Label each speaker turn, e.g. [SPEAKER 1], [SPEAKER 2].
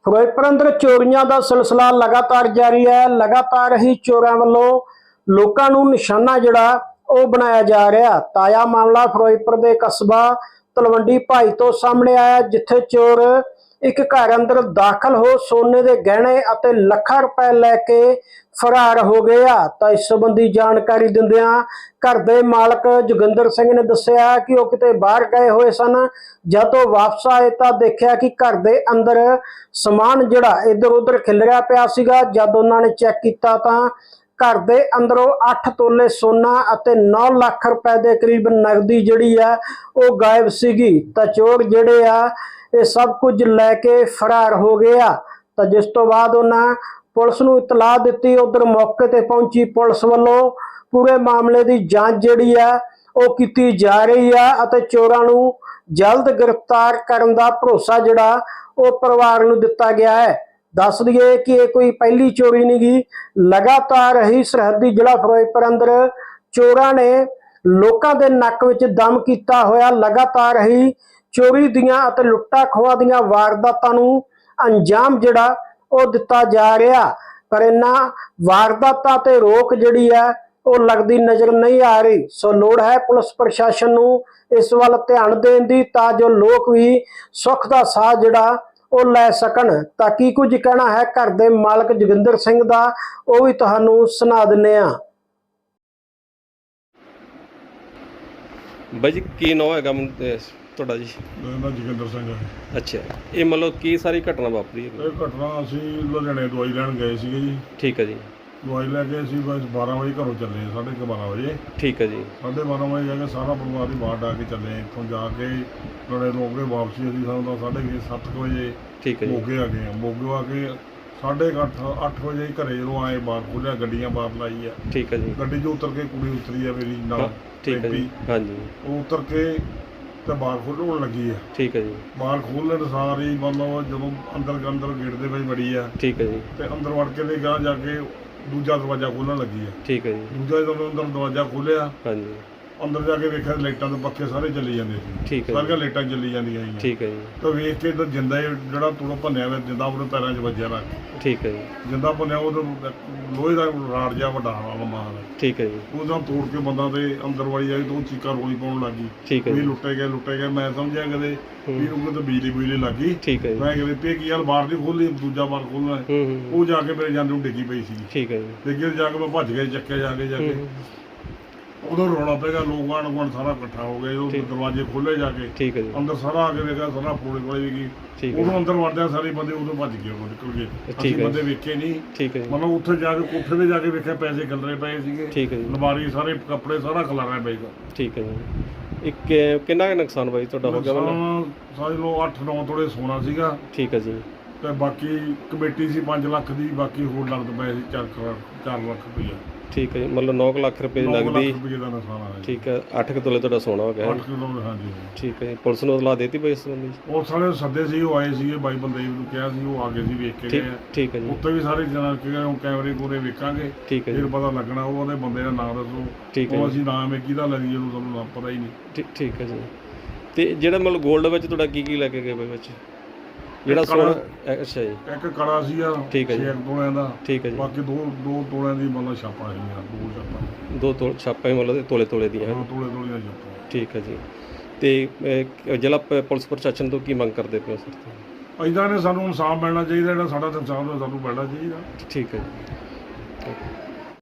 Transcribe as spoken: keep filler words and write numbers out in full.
[SPEAKER 1] ਫਿਰੋਜ਼ਪੁਰ ਅੰਦਰ ਚੋਰੀਆਂ ਦਾ ਸਿਲਸਿਲਾ ਲਗਾਤਾਰ ਜਾਰੀ है। लगातार ही चोरों वालों लोगों को निशाना जिहड़ा ਉਹ बनाया जा रहा। ताज़ा मामला फिरोजपुर के कस्बा तलवंडी भाई तो सामने आया, जिथे चोर एक घर अंदर दाखिल हो सोने के गहने और लाखों रुपए लैके फरार हो गया। तो इस संबंधी जानकारी दिंदियां घर के मालक जोगिंदर सिंह ने दस्सिया कि वह किते बाहर गए हुए सन। जब वापस आए तो देखा कि घर के अंदर समान जिहड़ा इधर उधर खिलरिया पिया सीगा। जब उन्होंने चेक किया तो घर के अंदरों अठ तोले सोना और नौ लाख रुपए के करीब नगदी जिहड़ी है वो गायब सीगी। तो चोर जिहड़े आ ये सब कुछ लैके फरार हो गया। तो जिस तो बाद उन्हें पुलिस नूं इतला दी। उधर मौके ते पहुंची पुलिस वालों पूरे मामले की जांच जिहड़ी है वो की जा रही है और चोरां नूं जल्द गिरफ्तार करने का भरोसा जिहड़ा वो परिवार नूं दिता गया है। दस दिए कि ये कोई पहली चोरी नहीं गी। लगातार ही सरहदी जिला फिरोजपुर अंदर चोरां ने लोगों के नक विच दम किया होया लगातार ही चोरी दियां अते लुट्टा खोआ दियां वारदातां नूं अंजाम जिहड़ा वो दिता जा रहा। पर इन्हां वारदातां ते रोक जिहड़ी है वो लगती नज़र नहीं आ रही। सो लोड़ है पुलिस प्रशासन नूं इस वल ध्यान देण दी तां जो लोग भी सुख दा साह जिहड़ा वो लै सकन। ताकि कुछ कहना है घर के मालक जोगिंदर सिंह का वो भी तुहानू सुना दिंदे आ।
[SPEAKER 2] ਬਾਈ ਜੀ ਕੀ ਨਾਮ ਹੈਗਾ ਤੁਹਾਡਾ ਜੀ?
[SPEAKER 3] ਮੇਰਾ ਨਾਮ ਜੋਗਿੰਦਰ ਸਿੰਘ ਹੈ।
[SPEAKER 2] ਅੱਛਾ, ਇਹ ਮਤਲਬ ਕੀ ਸਾਰੀ ਘਟਨਾ ਵਾਪਰੀ ਹੈ?
[SPEAKER 3] ਇਹ ਘਟਨਾ ਅਸੀਂ ਲੁਧਿਆਣੇ ਦਵਾਈ ਲੈਣ ਗਏ ਸੀਗੇ ਜੀ।
[SPEAKER 2] ਠੀਕ ਹੈ ਜੀ।
[SPEAKER 3] ਦਵਾਈ ਲੈ ਕੇ ਅਸੀਂ ਬਸ ਬਾਰਾਂ ਵਜੇ ਘਰੋਂ ਚੱਲੇ, ਸਾਢੇ ਕੁ ਬਾਰਾਂ ਵਜੇ।
[SPEAKER 2] ਠੀਕ ਹੈ ਜੀ।
[SPEAKER 3] ਸਾਢੇ ਬਾਰਾਂ ਵਜੇ ਜਾ ਕੇ ਸਾਰਾ ਪਰਿਵਾਰ ਦੀ ਬਾਹਰ ਡਾ ਕੇ ਚੱਲੇ। ਇੱਥੋਂ ਜਾ ਕੇ ਲੜੇ ਤੋਂ ਕੇ ਵਾਪਸੀ ਅਸੀਂ ਸਾਨੂੰ ਤਾਂ ਸਾਢੇ ਕੁ ਸੱਤ ਕੁ ਵਜੇ
[SPEAKER 2] ਠੀਕ ਹੈ ਜੀ
[SPEAKER 3] ਮੋਗੇ ਆ ਗਏ। ਮੋਗੇ ਆ ਕੇ ਸਾਢੇ ਕੁ ਅੱਠ ਅੱਠ ਵਜੇ ਘਰੇ ਜਦੋਂ ਆਏ ਬਾਹਰ ਖੋਲ੍ਹਿਆ, ਗੱਡੀਆਂ ਬਾਹਰ ਲਾਈ ਆ।
[SPEAKER 2] ਠੀਕ ਹੈ ਜੀ।
[SPEAKER 3] ਗੱਡੀ 'ਚੋਂ ਉਤਰ ਕੇ ਕੁੜੀ ਉਤਰੀ ਆ ਮੇਰੀ ਨਾਲ।
[SPEAKER 2] ਠੀਕ ਹੈ ਜੀ। ਹਾਂਜੀ।
[SPEAKER 3] ਉਹ ਉਤਰ ਕੇ ਤੇ ਬਾਹਰ ਖੋਲ੍ਹਣ ਲੱਗੀ ਆ।
[SPEAKER 2] ਠੀਕ ਹੈ ਜੀ।
[SPEAKER 3] ਬਾਹਰ ਖੋਲ੍ਹਣ ਸਾਰ ਹੀ ਮਤਲਬ ਜਦੋਂ ਅੰਦਰ ਅੰਦਰ ਗੇਟ ਦੇ ਵਿੱਚ ਵੜੀ ਆ।
[SPEAKER 2] ਠੀਕ ਹੈ ਜੀ। ਤੇ
[SPEAKER 3] ਅੰਦਰ ਵੜ ਕੇ ਤੇ ਗਾਂ ਜਾ ਕੇ ਦੂਜਾ ਦਰਵਾਜ਼ਾ ਖੋਲ੍ਹਣ ਲੱਗੀ ਆ।
[SPEAKER 2] ਠੀਕ ਹੈ ਜੀ।
[SPEAKER 3] ਦੂਜਾ ਜਦੋਂ ਅੰਦਰ ਦਰਵਾਜ਼ਾ ਖੋਲ੍ਹਿਆ, ਹਾਂਜੀ, ਅੰਦਰ ਜਾ ਕੇ ਵੇਖਿਆ ਲਾਈਟਾਂ ਦੇ ਪੱਖੇ ਸਾਰੇ ਚੱਲੀ ਜਾਂਦੇ ਸੀ।
[SPEAKER 2] ਠੀਕ ਹੈ।
[SPEAKER 3] ਸਾਰੀਆਂ ਲਾਈਟਾਂ ਚੱਲੀ ਜਾਂਦੀਆਂ ਸੀ।
[SPEAKER 2] ਠੀਕ ਹੈ ਜੀ। ਤਾਂ
[SPEAKER 3] ਵੇਖ ਕੇ ਤਾਂ ਜਿੰਦਾ ਜਿਹੜਾ ਤੂੜਾ ਭੰਨਿਆ ਹੋਇਆ ਜਿੰਦਾ ਉਹਦੇ ਪੈਰਾਂ 'ਚ ਵੱਜਿਆ ਰੱਖ।
[SPEAKER 2] ਠੀਕ ਹੈ ਜੀ। ਜਿੰਦਾ
[SPEAKER 3] ਭੰਨਿਆ ਉਹ ਲੋਹੇ ਦਾ ਰਾੜ ਜਿਹਾ ਵੱਡਾ ਲੰਮਾ। ਠੀਕ ਹੈ ਜੀ। ਉਹਦਾ ਤੋੜ ਕੇ ਬੰਦਾ ਤੇ ਅੰਦਰ ਵੜੀ ਜਾਈ ਤਾਂ ਉਹ ਚੀਕਾਂ ਰੋਲੀ ਪਾਉਣ ਲੱਗ ਗਈ। ਠੀਕ ਹੈ। ਵੀ ਲੁੱਟੇ ਗਏ ਲੁੱਟੇ ਗਏ। ਮੈਂ ਸਮਝਿਆ ਕਦੇ ਵੀ ਉਹ ਕਿਤੇ ਬਿਜਲੀ ਬੁਜਲੀ ਲੱਗ ਗਈ। ਠੀਕ ਹੈ। ਮੈਂ ਕਿਹਾ ਤੇ ਕੀ ਯਾਰ ਬਾਹਰ ਦੀ ਖੋਲ੍ਹੀ, ਦੂਜਾ ਬਾਹਰ ਖੋਲ੍ਹਣਾ। ਉਹ ਜਾ ਕੇ ਮੇਰੇ ਜਾਂਦੇ ਨੂੰ ਡਿੱਗੀ ਪਈ ਸੀ। ਠੀਕ ਹੈ ਜੀ। ਡਿੱਗੇ ਜਾ ਕੇ ਮੈਂ ਭੱਜ ਗਿਆ, ਚੱਕਿਆ ਜਾ ਕੇ ਜਾ ਕੇ ਉਦੋਂ ਰੌਲਾ ਪਏਗਾ। ਲੋਕ ਆਂਢ ਗੁਆਂਢ ਸਾਰਾ ਇਕੱਠਾ ਹੋ ਗਿਆ। ਉਹ ਦਰਵਾਜ਼ੇ ਖੋਲ੍ਹੇ ਜਾ ਕੇ। ਠੀਕ ਹੈ ਜੀ। ਅੰਦਰ ਸਾਰਾ ਆ ਕੇ ਵੇਖਿਆ, ਸਾਰਾ ਪੋਲੇ ਪੋਲੇ ਵੀ ਗਈ। ਉਦੋਂ ਅੰਦਰ ਵੜਦਿਆਂ ਸਾਰੇ ਬੰਦੇ ਉਦੋਂ ਭੱਜ ਗਏ, ਉਹ ਨਿਕਲ ਗਏ। ਅਸੀਂ ਬੰਦੇ ਵੇਖੇ ਨਹੀਂ। ਠੀਕ ਹੈ। ਮਤਲਬ ਉੱਥੇ ਜਾ ਕੇ ਕੋਠੇ 'ਤੇ ਜਾ ਕੇ ਵੇਖਿਆ ਪੈਸੇ ਖਿਲਰੇ ਪਏ ਸੀਗੇ। ਠੀਕ ਹੈ ਜੀ। ਅਲਮਾਰੀ ਸਾਰੇ ਕੱਪੜੇ ਸਾਰਾ ਖਿਲਾਰਿਆ ਪਏਗਾ। ਠੀਕ ਹੈ ਜੀ। ਇੱਕ ਕਿੰਨਾ ਨੁਕਸਾਨ ਬਾਈ ਤੁਹਾਡਾ ਹੋ ਗਿਆ? ਮਤਲਬ ਸਾਰੇ ਲੋ ਅੱਠ ਨੌ ਤੋਲੇ ਸੋਨਾ ਸੀਗਾ। ਠੀਕ ਹੈ ਜੀ। ਤੇ ਬਾਕੀ ਕਮੇਟੀ ਸੀ ਪੰਜ ਲੱਖ ਦੀ, ਬਾਕੀ ਹੋਰ ਨਗਦ ਪਏ ਸੀ ਚਾਰ ਚਾਰ ਲੱਖ ਰੁਪਈਆ। ਠੀਕ ਹੈ ਜੀ। ਮਤਲਬ ਨੌ ਲੱਖ ਰੁਪਏ ਦੀ ਨਗਦੀ। ਠੀਕ ਹੈ। ਅੱਠ ਕੁ ਤੋਲੇ ਤੁਹਾਡਾ ਸੋਨਾ ਹੋ ਗਿਆ। ਅੱਠ ਤੋਲੇ, ਹਾਂਜੀ। ਠੀਕ ਹੈ ਜੀ। ਪੁਲਿਸ ਨੂੰ ਇਤਲਾਹ ਦੇਤੀ ਪਈ ਇਸ ਸੰਬੰਧੀ? ਪੁਲਿਸ ਵਾਲੇ ਸੱਦੇ ਸੀ, ਉਹ ਆਏ ਸੀਗੇ, ਬਾਈ ਬੰਦੇ ਨੂੰ ਕਿਹਾ ਸੀ, ਉਹ ਆ ਗਏ ਸੀ, ਵੇਖ ਕੇ ਗਏ। ਠੀਕ ਹੈ ਜੀ। ਉੱਥੇ ਵੀ ਸਾਰੇ ਜਣਾ ਕੈਮਰੇ ਕੂਰੇ ਵੇਖਾਂਗੇ। ਠੀਕ ਹੈ। ਫਿਰ ਪਤਾ ਲੱਗਣਾ ਉਹਦੇ ਬੰਦੇ ਦਾ ਨਾਮ ਦੱਸੋ। ਠੀਕ ਹੈ। ਉਹ ਅਸੀਂ ਨਾਮ ਹੈ ਕਿਹਦਾ ਲੈ ਲਈਏ, ਉਹਨੂੰ ਸਾਨੂੰ ਪਤਾ ਹੀ ਨਹੀਂ। ਠੀਕ ਹੈ ਜੀ। ਤੇ ਜਿਹੜਾ ਮਤਲਬ ਗੋਲਡ ਵਿੱਚ ਤੁਹਾਡਾ ਕੀ ਕੀ ਲੈ ਕੇ ਗਏ ਵਿੱਚ? ਜਿਹੜਾ ਸੋਨਾ, ਅੱਛਾ ਜੀ। ਇੱਕ ਕੜਾ ਸੀ ਆ। ਠੀਕ ਹੈ ਜੀ। ਛੇ ਤੋਲਿਆਂ ਦਾ। ਠੀਕ ਹੈ ਜੀ। ਬਾਕੀ ਦੋ ਦੋ ਤੋਲਿਆਂ ਦੀ ਮਤਲਬ ਛਾਪਾਂ ਸੀਗੀਆਂ। ਦੋ ਛਾਪਾਂ ਦੋ ਤੋਲ ਛਾਪਾਂ ਮਤਲਬ ਤੋਲੇ ਤੋਲੇ ਦੀਆਂ। ਹਾਂ, ਤੋਲੇ ਤੋਲੇ ਦੀਆਂ ਛਾਪਾਂ। ਠੀਕ ਹੈ ਜੀ। ਤੇ ਜ਼ਿਲ੍ਹਾ ਪੁਲਿਸ ਪ੍ਰਸ਼ਾਸਨ ਤੋਂ ਕੀ ਮੰਗ ਕਰਦੇ ਪਏ ਸਰ? ਇੱਦਾਂ ਨੇ ਸਾਨੂੰ ਇਨਸਾਫ ਮਿਲਣਾ ਚਾਹੀਦਾ, ਜਿਹੜਾ ਸਾਡਾ ਇਨਸਾਫ ਸਾਨੂੰ ਮਿਲਣਾ ਚਾਹੀਦਾ। ਠੀਕ ਹੈ ਜੀ।